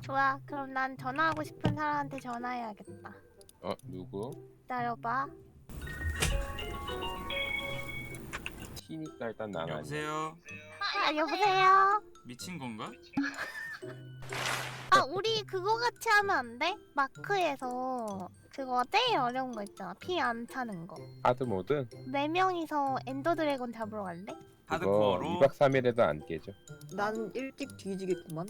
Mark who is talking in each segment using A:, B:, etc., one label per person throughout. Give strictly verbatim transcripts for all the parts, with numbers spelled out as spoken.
A: 좋아. 그럼 난 전화하고 싶은 사람한테 전화해야겠다.
B: 어 누구?
A: 기다려봐.
B: 티니까 일단 나가.
C: 여보세요?
A: 아, 여보세요?
C: 미친 건가?
A: 아, 우리 그거 같이 하면 안 돼? 마크에서 그거 제일 어려운 거 있잖아. 피 안 차는 거.
B: 하드 모드?
A: 네 명이서 엔더 드래곤 잡으러 갈래?
B: 그거
C: 하드코어로?
B: 이 박 삼 일에도 안 깨져.
D: 난 일찍 뒤지겠구만.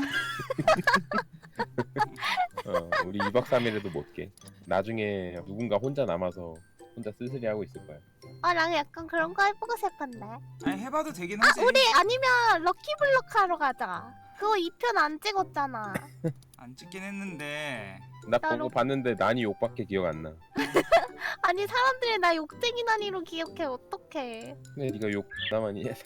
B: 어, 우리 이 박 삼 일에도 못 깨. 나중에 누군가 혼자 남아서 혼자 쓸쓸히 하고 있을 거야.
A: 아, 난 약간 그런 거 해보고 싶은데.
C: 아니 해봐도 되긴
A: 아,
C: 하지.
A: 우리 아니면 럭키블럭 하러 가자. 그거 이 편 안 찍었잖아.
C: 안 찍긴 했는데
B: 나
A: 나로-
B: 보고 봤는데 난이 욕밖에 기억 안 나.
A: 아니, 사람들이 나 욕쟁이 난이로 기억해. 어떡해.
B: 근데 네가 욕 나만이 해서.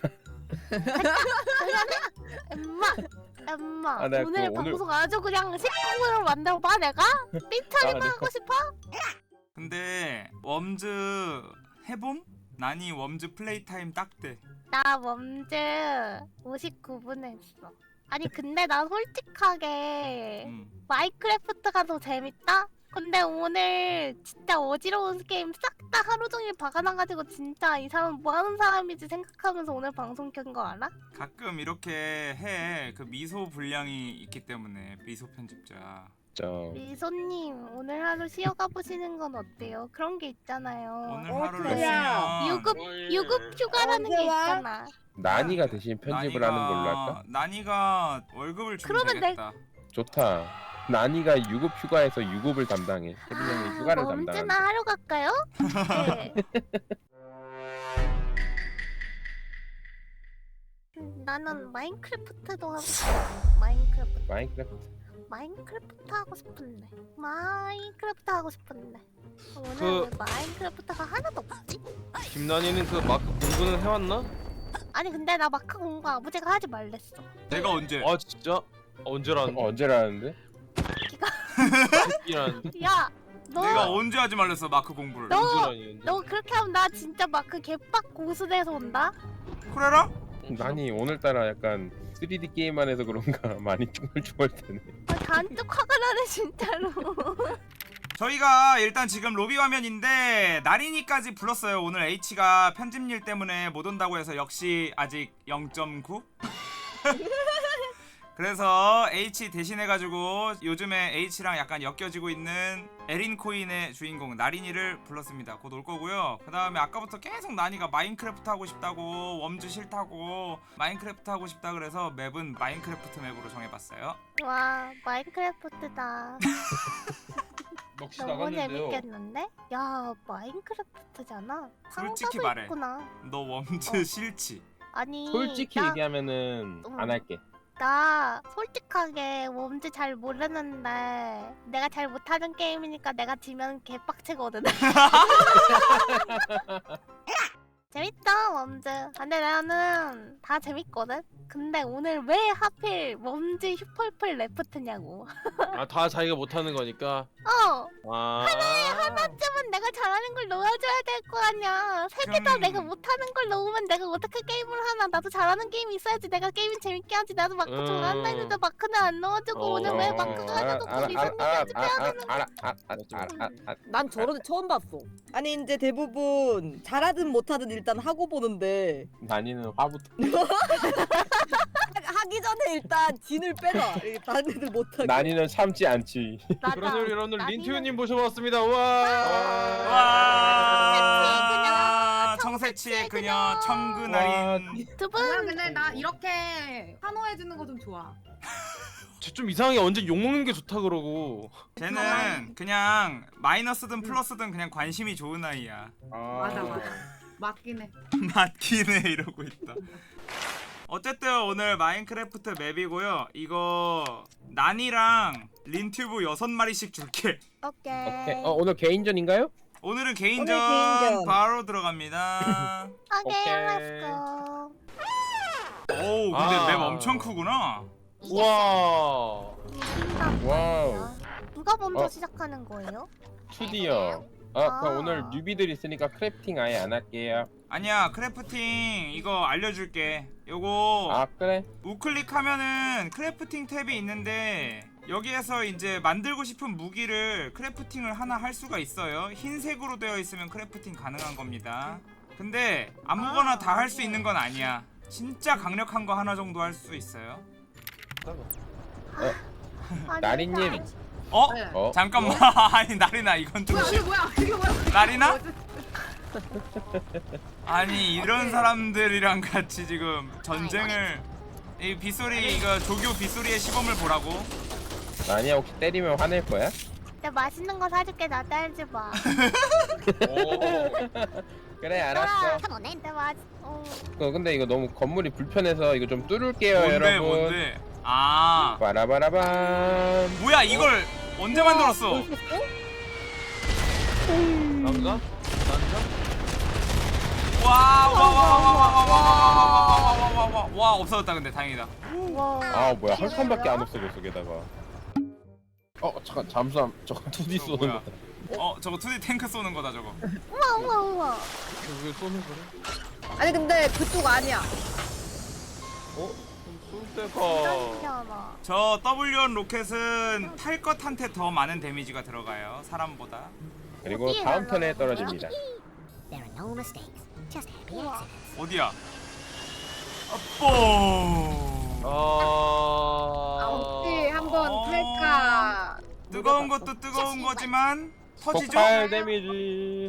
A: 엄마, 엄마.
B: 아, 내가
A: 오늘
B: 그거 오늘-
A: 방송 아주 그냥 식구로 만들어봐, 내가? 삐처리만
B: 아,
A: 하고 싶어?
C: 근데 웜즈 해봄? 난이 웜즈 플레이 타임 딱대.
A: 나 멈즈 오십구 분 했어. 아니, 근데 나 솔직하게
C: 음.
A: 마인크래프트가 더 재밌다? 근데 오늘 진짜 어지러운 게임 싹 다 하루 종일 박아놔가지고 진짜 이 사람 뭐 하는 사람이지 생각하면서 오늘 방송 켠 거 알아?
C: 가끔 이렇게 해. 그 미소 분량이 있기 때문에 미소 편집자.
B: 저
A: 미소님, 오늘 하루 쉬어가 보시는 건 어때요? 그런 게 있잖아요.
C: 오늘
D: 어,
C: 하루를
D: 그래.
C: 쉬면
A: 유급, 유급 휴가라는
D: 언제
A: 게
D: 와?
A: 있잖아.
B: 난이가 대신 편집을
C: 난이가-
B: 하는 걸로 할까?
C: 난이가 월급을 주면
A: 그러면 내-
C: 되겠다.
B: 좋다. 난이가 유급 휴가에서 유급을 담당해. 혜빈 형이 휴가를
A: 멈즈나
B: 담당한다.
A: 하러 갈까요? 네. 음, 나는 마인크래프트도 하고 싶어. 마인크래프트.
B: 마인크래프트.
A: 마인크래프트 하고 싶은데. 마인크래프트 하고 싶은데. 오늘
E: 그-
A: 왜 마인크래프트가 하나도 없지?
E: 김난이는 그 마크 공부는 해왔나?
A: 아니, 근데 나 마크 공부 아버지가 하지 말랬어.
C: 내가 언제?
E: 아 진짜? 언제라는데?
B: 어, 언제라는데?
E: 이라는데?
A: 야, 너,
C: 내가 언제 하지 말랬어 마크 공부를?
A: 너-
E: 언제라니 언제?
A: 너 그렇게 하면 나 진짜 마크 개빡 고수돼서 온다?
C: 그래라?
B: 난이 오늘따라 약간 쓰리디 게임만 해서 그런가 많이 중얼중얼대네.
A: 아, 잔뜩 화가 나네, 진짜로.
C: 저희가 일단 지금 로비 화면인데 나린이까지 불렀어요. 오늘 H가 편집일 때문에 못 온다고 해서 역시 아직 영 점 구? 그래서 H 대신해가지고 요즘에 H랑 약간 엮여지고 있는 에린코인의 주인공 나린이를 불렀습니다. 곧 올 거고요. 그 다음에 아까부터 계속 나니가 마인크래프트 하고 싶다고, 웜즈 싫다고, 마인크래프트 하고 싶다 그래서 맵은 마인크래프트 맵으로 정해봤어요.
A: 와, 마인크래프트다.
E: 넋이
A: 너무 재밌겠는데? 야, 마인크래프트잖아.
C: 솔직히
A: 상자도
C: 말해.
A: 있구나.
C: 너 웜즈
A: 어.
C: 싫지?
A: 아니,
B: 솔직히
A: 나,
B: 얘기하면은
A: 어.
B: 안 할게.
A: 나 솔직하게 웜즈 잘 모르는데 내가 잘 못하는 게임이니까 내가 지면 개빡치거든. 재밌다, 웜즈. 근데 나는 다 재밌거든. 근데 오늘 왜 하필 웜즈 슈퍼플 레프트냐고.
E: 아다 자기가 못하는 거니까.
A: 어,
E: 아
A: 하나쯤은 내가 잘하는 걸 넣어줘야 될 거 아니야. 세 개 다
C: 그럼-
A: 내가 못하는 걸 넣으면 내가 어떻게 게임을 하나. 나도 잘하는 게임이 있어야지 내가 게임을 재밌게 하지. 나도 마크
E: 음.
A: 좋아한다 했는데 마크는 안 넣어주고
E: 어.
A: 오늘 왜
E: 어.
A: 마크가
B: 알아,
A: 하나도
B: 알아,
A: 없고 미선님이
B: 알아,
A: 연습해야
B: 알아,
A: 되는
B: 알아, 알아, 알아, 알아, 알아, 알아.
D: 난 저런 애 처음 봤어. 아니 이제 대부분 잘하든 못하든 일단 하고 보는데
B: 난이는 화부터.
D: 하기 전에 일단 진을 빼놔. 이렇게 다른 애들 못하게.
B: 난이는 참지 않지.
A: 맞아.
E: 그래서 여러분들
A: 나는-
E: 린투유님 모셔봤습니다. 와.
C: 와
A: 청새치의
C: 청새치의 그녀 청근아린.
A: 두
F: 나
A: 분.
F: 근데 나 이렇게 환호해주는 거 좀 좋아.
E: 쟤좀 이상하게 언제 욕 먹는 게 좋다 그러고.
C: 쟤는 그냥 마이너스든 플러스든 그냥 관심이 좋은 아이야.
F: 맞아 맞아. 맞긴 해.
C: 맞긴 해 이러고 있다. 어쨌든 오늘 마인크래프트 맵이고요. 이거 난이랑 린튜브 여섯 마리씩 줄게.
A: 오케이.
B: 오케이. 어 오늘 개인전인가요?
C: 오늘은 개인전,
D: 오늘 개인전.
C: 바로 들어갑니다.
A: 오케이,
B: 오케이.
A: 렛츠고.
C: 오 근데
E: 아.
C: 맵 엄청 크구나.
E: 와.
A: 이긴단
B: 와우.
A: 말이야. 누가 먼저
B: 어.
A: 시작하는 거예요?
B: 투디요. 아 그럼
A: 아.
B: 오늘 뉴비들 있으니까 크래프팅 아예 안 할게요.
C: 아니야 크래프팅 이거 알려줄게. 요거
B: 아 그래?
C: 우클릭 하면은 크래프팅 탭이 있는데 여기에서 이제 만들고 싶은 무기를 크래프팅을 하나 할 수가 있어요. 흰색으로 되어 있으면 크래프팅 가능한 겁니다. 근데 아무거나 다 할 수 있는 건 아니야. 진짜 강력한 거 하나 정도 할 수 있어요.
A: 아니,
B: 나리님.
A: 아니.
C: 어?
F: 네.
B: 어?
C: 잠깐만. 아니 나리나 이건 좀
F: 뭐야
C: 싫...
F: 이게 뭐야 이게 뭐야?
C: 나리나? 아니 이런 사람들이랑 같이 지금 전쟁을 이 빗소리 이거 조교 빗소리의 시범을 보라고.
B: 아니야 혹시 때리면 화낼 거야?
A: 내가 맛있는 거 사줄게. 나 딸지 마.
B: 그래 알았어.
A: 내가 맛. 어.
B: 어, 근데 이거 너무 건물이 불편해서 이거 좀 뚫을게요
C: 뭔데
B: 여러분.
C: 뭔데? 아
B: 빠라바라밤.
C: 뭐야 이걸 언제 만들었어?
E: 남자? 남자?
C: 와와와와와와와와와와 없어졌다. 근데 다행이다.
A: 와.
B: 아 뭐야 한 칸밖에 안 없어졌어 게다가. 어 잠깐 잠수함 저거 투디
C: 저거
B: 쏘는
C: 뭐야?
B: 거다.
C: 어 저거 투디 탱크 쏘는 거다 저거.
A: 우와 우와 우와.
E: 왜 쏘는 거래?
D: 아니 근데 그쪽 아니야.
E: 어? 쏠
A: 진짜
E: 때가
A: 신기하다.
C: 저 더블유원 로켓은 탈 것한테 더 많은 데미지가 들어가요 사람보다.
B: 그리고
A: 어디에
B: 다음 턴에
A: 날라가는
B: 떨어집니다.
G: There are no mistakes, just happy
A: 우와.
G: accidents.
C: 어디야? 아뽀.
E: 아...
D: 혹시 한번
C: 어.
D: 탈까?
C: 뜨거운 것도 뜨거운 거지만 터지죠?
B: 폭발 데미지.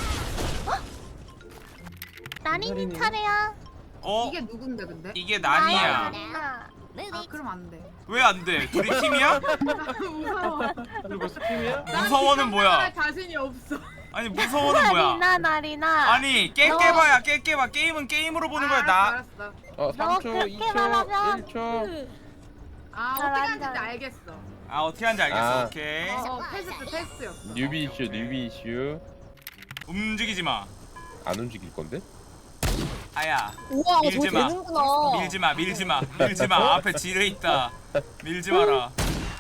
A: 나린이 차례야.
C: 어?
F: 이게 누군데 근데?
C: 이게 난이야.
A: 나린아.
G: Move
F: 아
G: it.
F: 그럼 안 돼.
C: 왜 안 돼? 둘이 팀이야?
F: 무서워.
E: 그리고 스팀이야?
C: 무서워는 뭐야?
F: 할 자신이 없어.
C: 아니 무서워는 뭐야?
A: 나리나 나리나.
C: 아니 깨 깨봐야 깨 깨봐. 게임은 게임으로 보는 거야. 나
F: 알았어, 알았어.
B: 어 삼 초,
A: 그렇게
B: 이 초,
A: 말하면-
B: 일 초.
F: 아
A: 잘
F: 어떻게
A: 한다.
F: 하는지 알겠어.
C: 아 어떻게 하는지 알겠어.
B: 아.
C: 오케이.
F: 어 패스트 패스였어.
B: 뉴비 이슈 뉴비 이슈.
C: 움직이지 마.
B: 안 움직일 건데?
C: 아야.
D: 우와 저거
C: 밀지 마.
D: 되는구나.
C: 밀지 마. 밀지 마. 밀지 마. 앞에 지뢰 있다. 밀지 마라.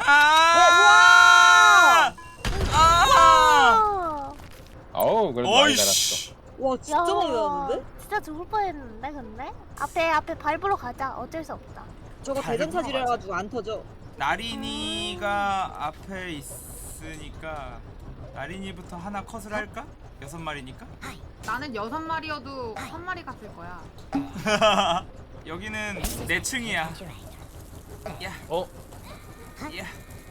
C: 아! 아!
A: 아.
B: 어우 그래도 많이 달았어.
C: 어이씨.
D: 와 진짜 많이 나는데?
A: 진짜 죽을 뻔했는데 근데 앞에 앞에 밟으러 가자. 어쩔 수 없다.
D: 저거
C: 잘
D: 대전 차지를
C: 들어가자.
D: 해가지고 안 터져.
C: 나린이가 앞에 있으니까 나린이부터 하나 컷을 할까? 여섯 마리니까?
F: 나는 여섯 마리여도 한 마리 갔을 거야.
C: 여기는 내 층이야. 야,
E: 어?
C: 야.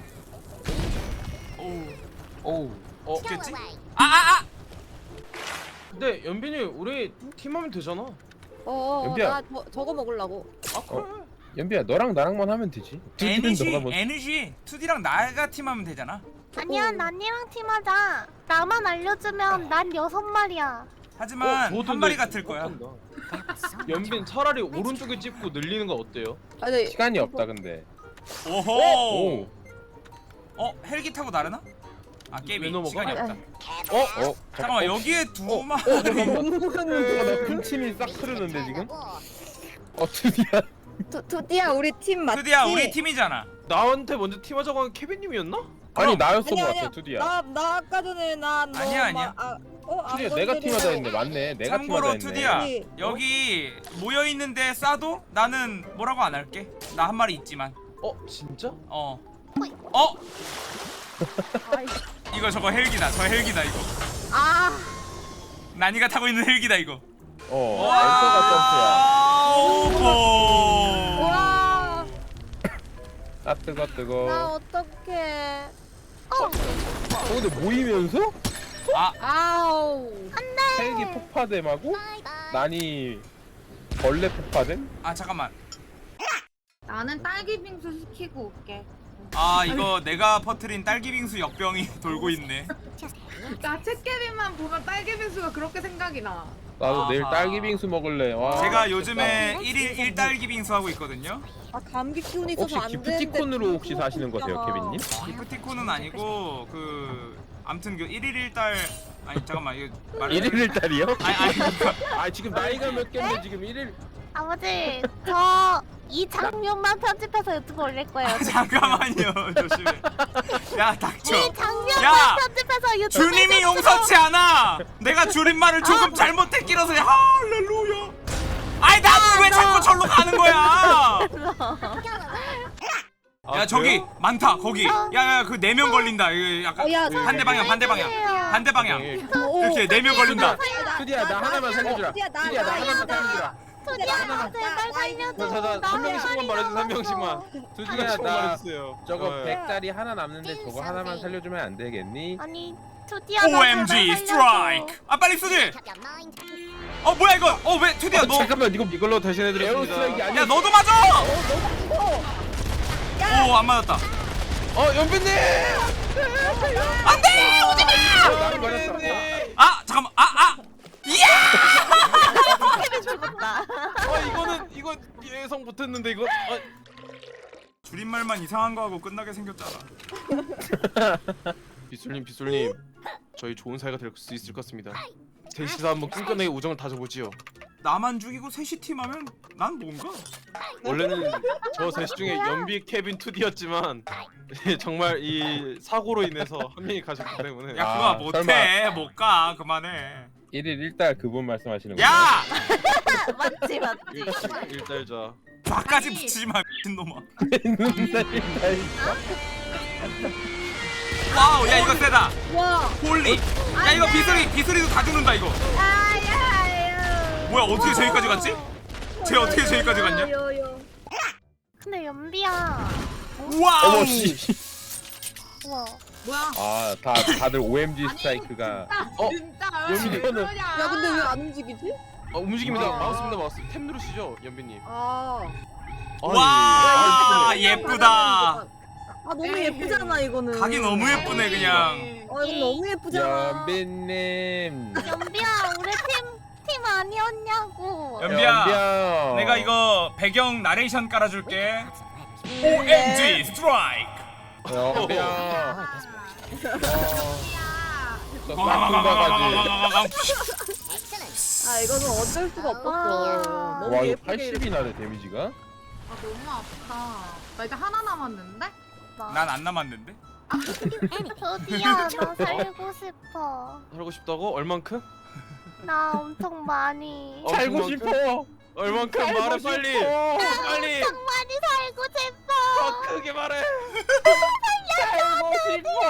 C: 오,
B: 오우.
E: 어?
C: 죽겠지? 아, 아, 아!
E: 근데 연빈이 우리 팀하면 되잖아.
D: 어어
B: 연비야.
D: 나 저, 저거 먹으려고.
E: 아 그래?
B: 연비야 너랑 나랑만 하면 되지. 투디는
C: 에너지,
B: 너가 뭐?
C: 에너지. 투디랑 나가 팀하면 되잖아.
A: 아니야 나니랑 팀하자. 나만 알려주면 난 여섯 마리야.
C: 하지만
E: 어,
C: 한 마리 같을 거야.
E: 못한다. 연빈 차라리 오른쪽에 찍고 늘리는 거 어때요?
D: 아니
B: 시간이 없다 근데.
C: 오호.
B: 오.
C: 어, 헬기 타고 나르나? 아,
E: 왜
C: 게임이
E: 넘어가?
C: 시간이 없다.
B: 어? 어?
C: 잠깐만, 여기에 두
B: 어,
C: 마리.
B: 어, 나 군침이 싹 흐르는데 지금? 어 투디야.
D: 두, 두디야 우리 팀 맞지?
C: 투디야, 우리 팀이잖아.
E: 나한테 먼저 팀하자고 한 케빈님이었나?
B: 아니 나였어
D: 아니야
B: 것
D: 아니야
B: 같아 투디야.
D: 나, 나 아까 전에 나너
C: 아니야, 아니야.
D: 아, 어, 안
B: 투디야 내가
D: 건드리고.
B: 팀하자 했네. 맞네. 내가 팀하자
C: 참고로
B: 했네.
C: 투디야,
D: 아니,
C: 여기 모여 있는데 쏴도 나는 뭐라고 안 할게. 나 한 마리 있지만.
E: 어? 진짜?
C: 어. 어?
D: 아이,
C: 이거 저거 헬기다. 저 헬기다 이거.
D: 아
C: 난이가 타고 있는 헬기다 이거.
B: 어. 엔터가
C: 오호.
D: 와,
B: 점프야. 아 뜨거 뜨거.
D: 나 어떡해.
B: 어 근데 모이면서
C: 아,
D: 아우.
B: 헬기 폭파됨하고 난이 벌레 폭파됨?
C: 아 잠깐만.
F: 나는 딸기 빙수 시키고 올게.
C: 아 이거 내가 퍼트린 딸기 빙수 역병이 돌고 있네.
F: 나 책개비만 보면 딸기 빙수가 그렇게 생각이 나.
B: 나도
C: 아하.
B: 내일 딸기 빙수 먹을래. 와.
C: 제가 요즘에 일일 일 딸기 빙수 하고 있거든요.
D: 아 감기 기운이
B: 혹시
D: 있어서 안 되는데.
B: 기프티콘으로 혹시 사시는 거세요, 케빈님?
C: 기프티콘은 아니고 그 아무튼 그 일일 일 딸 아니 잠깐만 이거 말
B: 일일 일 딸이요?
C: 아니 아니 그거
B: 아 지금 나이가 몇 개인데 지금 일일
A: 아버지 저 이 장면만 편집해서 유튜브 올릴 거예요.
C: 아, 잠깐만요. 조심해. 야 닥쳐.
A: 이 장면만
C: 야!
A: 편집해서 유튜브
C: 주님이 용서치 않아. 내가 줄임말을 조금 잘못했기라서 할렐루야. 아이 나는 왜 자꾸 절로 가는 거야? 야 저기 많다 거기. 야야 그 네 명 걸린다. 이거 약간
D: 어, 야,
C: 반대 방향 반대 방향 반대 방향. 이렇게 네 명 걸린다.
B: 투디야 나 하나만 살려주라.
D: 투디야, 나,
B: 투디야 나
D: 나,
B: 하나만
D: 나.
B: 살려주라.
A: 투디야
D: 나,
A: 제발
D: 나,
A: 살려줘.
E: 자자
A: 나
E: 한 명씩만
A: 한
E: 말해주세요. 한
A: 마리라고.
E: 명씩만.
B: 투디야
E: 한 명씩만
B: 나
E: 말해주세요.
B: 저거
E: 네.
B: 백 짜리 하나 남는데 저거 하나만 살려주면 안 되겠니?
A: 아니 투디야 나
C: 오엠지
A: 제발
C: 스트라이크. 아 빨리 쓰지.
G: Kept your mind.
C: 어 뭐야 이거? 어 왜 투디야
B: 어,
C: 너?
B: 잠깐만 이거
E: 이걸로 대신해드렸습니다.
B: 에어스트라이크 아니야?
C: 야 너도 맞아. 오 안 맞았다.
E: 어 연빈님.
C: 안돼 오지 마.
B: 나를 버렸어.
C: 아 잠깐만 아 아. 이야.
A: 투디야 죽었다.
E: 어 이거는 이거 예상 못했는데 이거. 어,
C: 줄임말만 이상한 거 하고 끝나게 생겼잖아.
E: 비술님 비술님 저희 좋은 사이가 될 수 있을 것 같습니다. 셋이서 한번 끈끈하게 우정을 다져보지요.
C: 나만 죽이고 셋이 팀하면 난 뭔가?
E: 원래는 저 셋 중에 연비, 케빈, 투디였지만 정말 이 사고로 인해서 한 명이 가셨기 때문에.
C: 야
B: 아,
C: 그거 못해 못 가 그만해.
B: 일일 일달 그분 말씀하시는 거예요?
C: 야
A: 맞지 맞지.
E: 일- 일달자.
C: 나까지
F: 아니.
C: 붙이지 마 미친놈아.
B: 일달 일달.
C: 와우 야 이거 세다.
D: 와.
C: 홀리. 야 이거 비수리 비수리도 다 죽는다 이거. 뭐야 어떻게 저기까지 갔지? 쟤 어떻게 저기까지 갔냐?
A: 근데 연비야.
C: 와우.
B: 어머 씨.
A: 우와.
F: 뭐야?
B: 아다 다들 오엠지 스트라이크가.
E: 어?
F: 진짜
E: 연비
F: 왜
B: 이거는-
F: 그러냐?
D: 야 근데 왜 안 움직이지?
E: 어, 움직입니다.
D: 아.
E: 마우스입니다 마우스. 탭 누르시죠 연빈님.
D: 아.
C: 와
E: 아니,
C: 예쁘다.
D: 아 너무 예쁘잖아 이거는.
C: 각이 너무 예쁘네 그냥.
D: 어 이거 너무 예쁘잖아.
B: 연빈님.
A: 연비야 우리 팀 팀 아니었냐고.
C: 연비야
B: 연비야.
C: 내가 이거 배경 나레이션 깔아줄게.
D: 네.
C: 오엠지 스트라이크.
B: 연비야. 저 싹퉁 바가지.
G: Excellent.
D: 아 이거는 어쩔 수가 없었어.
A: 와.
D: 너무
B: 와 이거
D: 예쁘게.
B: 팔십이 나네 데미지가.
F: 아 너무 아프다. 나 이제 하나 남았는데?
C: 난 안 남았는데?
A: 투디야 나 살고 싶어.
E: 살고 싶다고? 얼만큼?
A: 나 엄청 많이.
E: 어,
B: 살고
E: 그만큼?
B: 싶어.
E: 얼만큼
B: 살고
E: 말해 빨리.
B: 싶어.
E: 빨리.
A: 엄청 많이 살고 싶어.
E: 더 크게 말해.
B: 살고 싶어.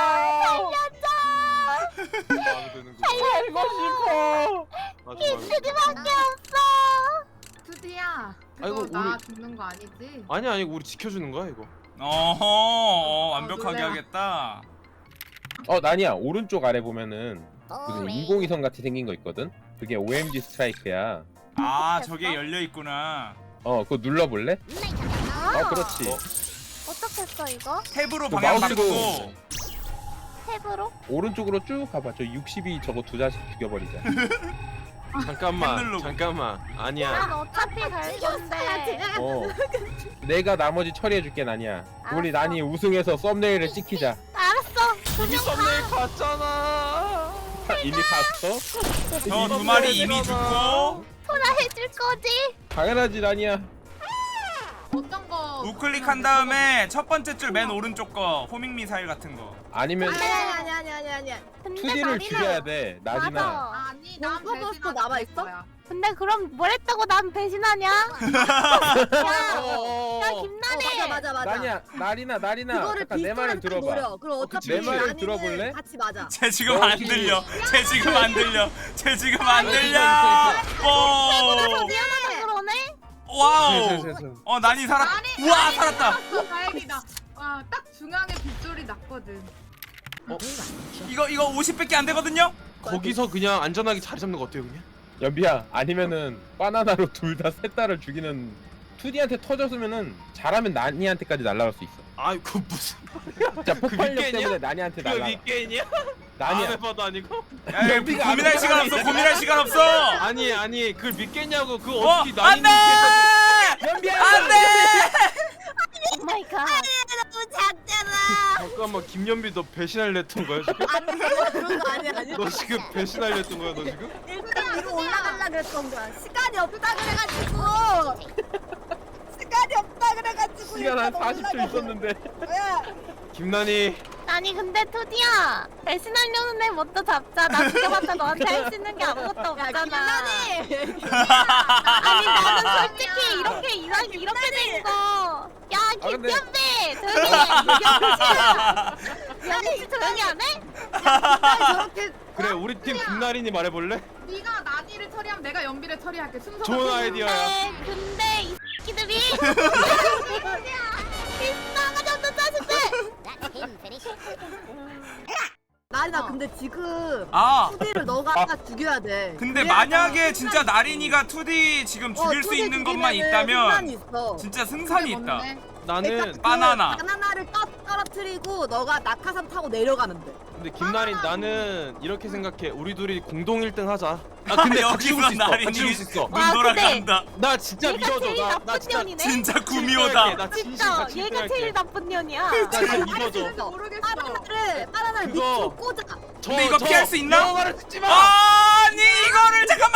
E: 마음에 드는 거.
B: 살고 싶어.
E: 맞아 맞아.
A: 투디밖에 없어.
F: 투디야.
E: 아이고,
F: 그거 나
E: 우리-
F: 죽는 거 아니지?
E: 아니 아니 우리 지켜주는 거야 이거.
C: 어허 어, 완벽하게
F: 놀래라.
C: 하겠다.
B: 어 난이야 오른쪽 아래 보면은 무슨
G: Boring.
B: 인공위성 같이 생긴 거 있거든. 그게 오엠지 스트라이크야.
C: 아 저게 열려 있구나.
B: 어 그거 눌러볼래?
G: Make up your mind.
B: 어 그렇지.
E: 어.
A: 어떻게 했어 이거?
C: 탭으로
B: 그
C: 방향
B: 마우스로
C: 바꾸고.
A: 탭으로?
B: 오른쪽으로 쭉 가봐. 저 육십이 저거 두 자씩 죽여버리자.
E: 잠깐만
C: 핸들로.
E: 잠깐만 아니야.
A: 난 어차피 갈 건데.
B: 어. 내가 나머지 처리해줄게 난이야. 우리
A: 알았어.
B: 난이 우승해서 썸네일을 찍히자.
A: 알았어.
E: 이미 썸네일 갔잖아.
B: 이미 갔어?
C: 저 두 마리 이미 죽고.
A: 토라 해줄 거지?
B: 당연하지 난이야.
F: 어떤 거?
C: 우클릭한 다음에 첫 번째 줄 맨 오른쪽 거 호밍 미사일 같은 거.
B: 아니면
D: 아니 아니 아니 아니 아니 아니.
A: 근데
B: 투디를
A: 나리나-
B: 죽여야 돼. 낮이나.
A: 맞아.
F: 아니 난
D: 벙커 버스터
F: 배신하지
D: 남아 있어?
F: 거야.
A: 근데 그럼 뭘 했다고 난 배신하냐? 야,
E: 어,
A: 야
E: 어, 어.
A: 김나래.
D: 어, 맞아 맞아 맞아.
B: 난이야 나리나 나리나.
D: 그거를
B: 잠깐 내 말을
D: 비슷하게 딱
B: 들어봐.
D: 노려. 그럼
E: 어,
D: 어차피
E: 내
B: 말을
D: 나는
B: 들어볼래?
D: 같이 맞아.
C: 쟤 지금
B: 너
C: 안
B: 혹시-
C: 들려. 쟤 지금 안 들려. 쟤 지금 안
E: 아,
C: 들려.
E: 괜찮아,
C: 오.
A: 미안하다 그러네.
C: 와우.
E: 됐어, 됐어, 됐어.
C: 어 난이 살았.
F: 아니,
C: 우와
F: 아니,
C: 살았다.
F: 살았어, 다행이다. 와, 딱 중앙에 빗소리 났거든.
C: 이거 이거 오십밖에 안 되거든요.
E: 거기서 그냥 안전하게 자리 잡는 거 어때요 그냥?
B: 연비야 아니면은 바나나로 둘 다 셋 다를 죽이는 투디한테 터졌으면은 잘하면 난이한테까지 날아갈 수 있어.
E: 아이 그 무슨
B: 진짜 폭발력
E: 윗게임이야?
B: 때문에 난이한테
E: 그거
B: 날아가.
E: 윗게임이야?
B: 난이야.
E: 안 해봐도 아니고?
C: 야, 야,
B: 연비가
C: 고민할
B: 안
C: 시간 없어.
B: 들어가네.
C: 고민할 시간 없어.
E: 아니 아니 그걸 믿겠냐고 그
C: 어
E: 어떻게
C: 안돼.
E: 나인이
B: 연비야.
C: 안돼.
A: 오 마이 갓.
D: 너무 작잖아.
E: 잠깐만 김연비 너 배신하려 했던 거야 지금?
D: 아니 내가 그런 거 아니야 아니야.
E: 너 지금 배신하려 했던 거야 너 지금?
D: 일단 위로 올라가려 그랬던 거야. 시간이 없다 그래가지고. 시간이 그래가지고
B: 시간 한
D: 일단
B: 사십 초
D: 올라가서-
B: 있었는데.
D: 야,
E: 김난이
A: 아니 근데 투디야 배신하려는 애 먼저 잡자. 나 죽여봤자 너한테 할 수 있는 게 아무것도
D: 야
A: 없잖아.
D: 김나니.
A: 아니 나는 솔직히 이렇게 이상 이렇게 된 거. 야
B: 아, 근데-
A: 김현배 조용히 해. 김현배 조용히 안 해?
D: 저렇게
E: 그래 우리 팀 김나린이 말해볼래?
F: 네가 나니를 처리하면 내가 연비를 처리할게. 순서.
E: 좋은 아이디어야.
A: 네, 근데 이 새끼들이 이 싸가지 없는 자식들.
G: That's him finish.
D: 나리나
F: 어.
D: 근데 지금
C: 아
D: 투디를 너가 다 죽여야 돼.
C: 근데
D: 그래야
C: 만약에
D: 승산이
C: 진짜
D: 있어.
C: 나린이가 투디 지금 죽일
D: 어,
C: 수
D: 투디
C: 있는 것만
D: 죽이면은
C: 있다면
D: 승산이 있어.
C: 진짜 승산이 있다.
E: 나는
D: 일단
C: 바나나.
D: 그 바나나를 떨- 떨어뜨리고 너가 낙하산 타고 내려가면 돼.
E: 근데 김나린 나는 이렇게 생각해. 우리 둘이 공동 일 등 하자. 아 근데 같이 죽을
C: 여기서
E: 수 있어.
C: 나린이
E: 같이 죽을 수 있어.
C: 눈
A: 아,
C: 돌아간다.
E: 나 진짜
A: 얘가
E: 믿어줘.
A: 제일
E: 나, 나
A: 나쁜
E: 진짜
A: 년이네.
C: 진짜
E: 진짜
C: 구미호다.
E: 나 진심
A: 진짜
E: 같이 일 등
A: 얘가
E: 할게.
A: 제일 나쁜 년이야.
E: 나 진짜 믿어줘.
D: 있어.
F: 모르겠어.
D: 바나나를 바나나를
E: 그거-
D: 밑으로 꽂아.
E: 저,
C: 근데 이거
E: 저
C: 피할 수 있나?
E: 영화를 듣지 마.
C: 아니 이거를 잠깐만.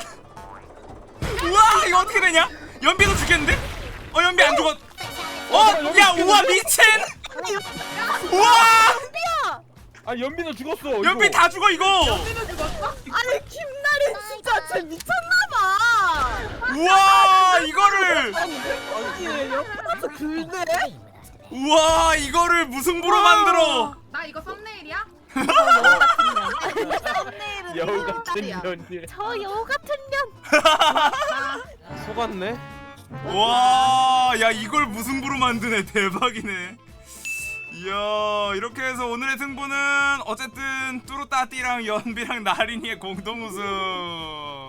C: 우와 이거 어떻게 되냐? 연비도 죽겠는데? 어 연비 안 죽었. 어? 야 우와 미친. 우와
B: 아 연비는 죽었어.
C: 연비
B: 이거.
C: 다 죽어 이거.
D: 아니 김나린 진짜 쟤 미쳤나봐.
C: 우와 이거를.
D: 아니 옆에서 긁네.
C: 우와 이거를 무승부로 만들어.
F: 나 이거 썸네일이야?
D: 썸네일은
B: 여우 같은
D: 딸이야.
B: 년이.
A: 저 여우 같은 년.
E: 속았네.
C: 와, 야 이걸 무승부로 만드네. 대박이네. 이야, 이렇게 해서 오늘의 승부는 어쨌든 뚜루따띠랑 연비랑 나린이의 공동 우승.